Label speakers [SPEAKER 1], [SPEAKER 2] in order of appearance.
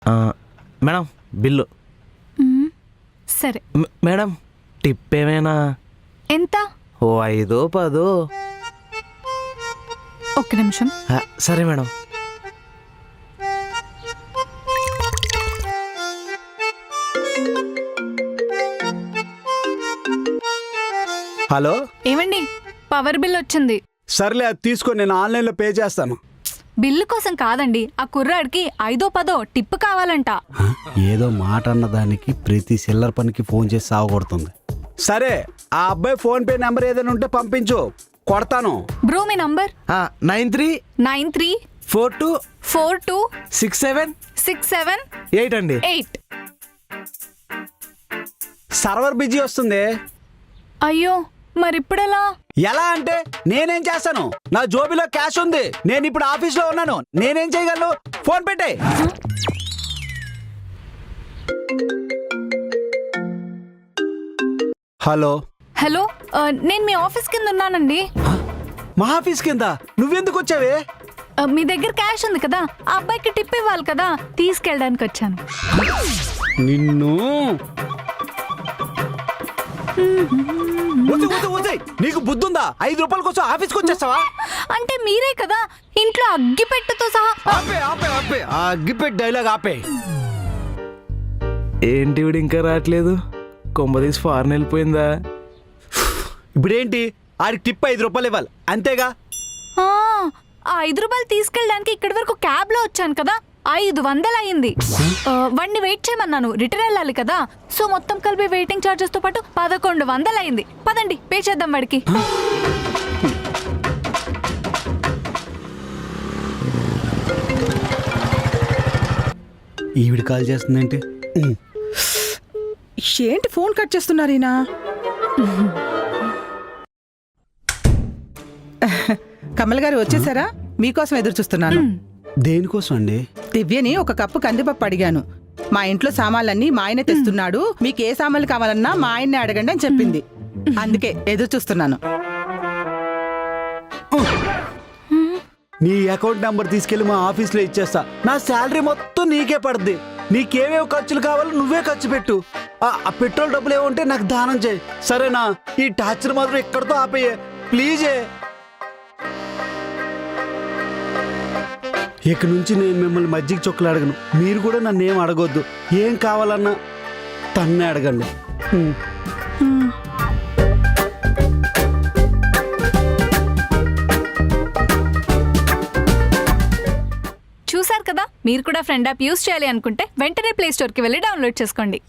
[SPEAKER 1] Madam bill.
[SPEAKER 2] సరే
[SPEAKER 1] madam tip ఏమైనా?
[SPEAKER 2] ఎంత?
[SPEAKER 1] ఓ 5 10.
[SPEAKER 2] ఒక్క నిమిషం.
[SPEAKER 1] సరే మేడం.
[SPEAKER 3] హలో,
[SPEAKER 2] ఏమండి పవర్ బిల్ వచ్చింది.
[SPEAKER 3] సర్లే అది తీసుకో, నేను ఆన్లైన్లో పే చేస్తాను.
[SPEAKER 2] బిల్లు కోసం కాదండి, ఆ కుర్రాడికి 5 10 టిప్ కావాలంట.
[SPEAKER 3] ఏదో మాట అన్నదానికి ప్రతి సిల్లర్ పనికి ఫోన్ చేసి సాగొడుతుంది. సరే, ఆ అబ్బాయి ఫోన్ పే నెంబర్ ఏదైనా ఉంటే పంపించు, కొడతాను.
[SPEAKER 2] బ్రో మీ నంబర్
[SPEAKER 1] 93 42
[SPEAKER 2] 42
[SPEAKER 1] 67
[SPEAKER 2] 67
[SPEAKER 1] 8 అండి.
[SPEAKER 2] 8.
[SPEAKER 3] సర్వర్ బిజీ వస్తుంది.
[SPEAKER 2] అయ్యో మరిప్పుడెలా?
[SPEAKER 3] ఎలా అంటే నేనేం చేస్తాను, నా జోబీలో క్యాష్ ఉంది, నేను ఇప్పుడు ఆఫీస్లో ఉన్నాను, నేనేం చేయగలను? ఫోన్ పెట్టే. హలో
[SPEAKER 2] హలో, నేను మీ ఆఫీస్ కింద ఉన్నానండి.
[SPEAKER 3] మా ఆఫీస్ కింద నువ్వెందుకు వచ్చావే?
[SPEAKER 2] మీ దగ్గర క్యాష్ ఉంది కదా, ఆ అబ్బాయికి టిప్ ఇవ్వాలి కదా, తీసుకెళ్ళడానికి వచ్చాను.
[SPEAKER 3] నిన్ను నీకు బుద్ధుందా? 5 రూపాయల కోసం ఆఫీస్కి వచ్చేస్తావా?
[SPEAKER 2] అంటే మీరే కదా ఇంట్లో అగ్గిపెట్టెతో సహా.
[SPEAKER 3] ఆపే ఆపే ఆపే, ఆ అగ్గిపెట్టి డైలాగ్ ఆపే.
[SPEAKER 1] ఏంటి వీడు ఇంకా రావట్లేదు? కొంపదీసి ఫారెన్ వెళ్ళిపోయిందా?
[SPEAKER 3] ఇప్పుడేంటి, ఆడికి టిప్ 5 రూపాయలు ఇవ్వాలి అంతేగా?
[SPEAKER 2] ఆ 5 రూపాయలు తీసుకెళ్ళడానికి ఇక్కడి వరకు క్యాబ్ లో వచ్చాను కదా, 500 అయింది. వాడిని వెయిట్ చేయమన్నాను, రిటర్న్ వెళ్ళాలి కదా, సో మొత్తం కలిపి వెయిటింగ్ చార్జెస్ తో పాటు 1100 అయింది. పదండి పే చేద్దాం వాడికి.
[SPEAKER 3] ఈవిడ కాల్ చేస్తుందేంటి?
[SPEAKER 4] ఏంటి ఫోన్ కట్ చేస్తున్నారు ఈయన? కమల్ గారు వచ్చేసారా? మీకోసం ఎదురు చూస్తున్నాను.
[SPEAKER 3] దేనికోసం అండి?
[SPEAKER 4] దివ్యని ఒక కప్పు కందిపప్పు అడిగాను. మా ఇంట్లో సామాన్లన్నీ మా ఆయనే తెస్తున్నాడు, మీకు ఏ సామాన్లు కావాలన్నా మా ఆయన్నే అడగండి అని చెప్పింది. అందుకే ఎదురు చూస్తున్నాను.
[SPEAKER 3] నీ అకౌంట్ నెంబర్ తీసుకెళ్లి మా ఆఫీస్లో ఇచ్చేస్తా, నా శాలరీ మొత్తం నీకే పడుద్ది. నీకేమేమి ఖర్చులు కావాలో నువ్వే ఖర్చు పెట్టు. ఆ పెట్రోల్ డబ్బులు ఏమంటే నాకు దానం చేయి, సరేనా? ఈ టార్చర్ మాత్రం ఇక్కడితో ఆపేయే ప్లీజే. ఇక నుంచి నేను మిమ్మల్ని మజ్జిగ చొక్కలు అడగను, మీరు కూడా నన్ను ఏం అడగొద్దు. ఏం కావాలన్నా తన్నే అడగండి.
[SPEAKER 2] చూసారు కదా, మీరు కూడా ఫ్రెండ్ యాప్ యూస్ చేయాలి అనుకుంటే వెంటనే ప్లే స్టోర్ కి వెళ్ళి డౌన్లోడ్ చేసుకోండి.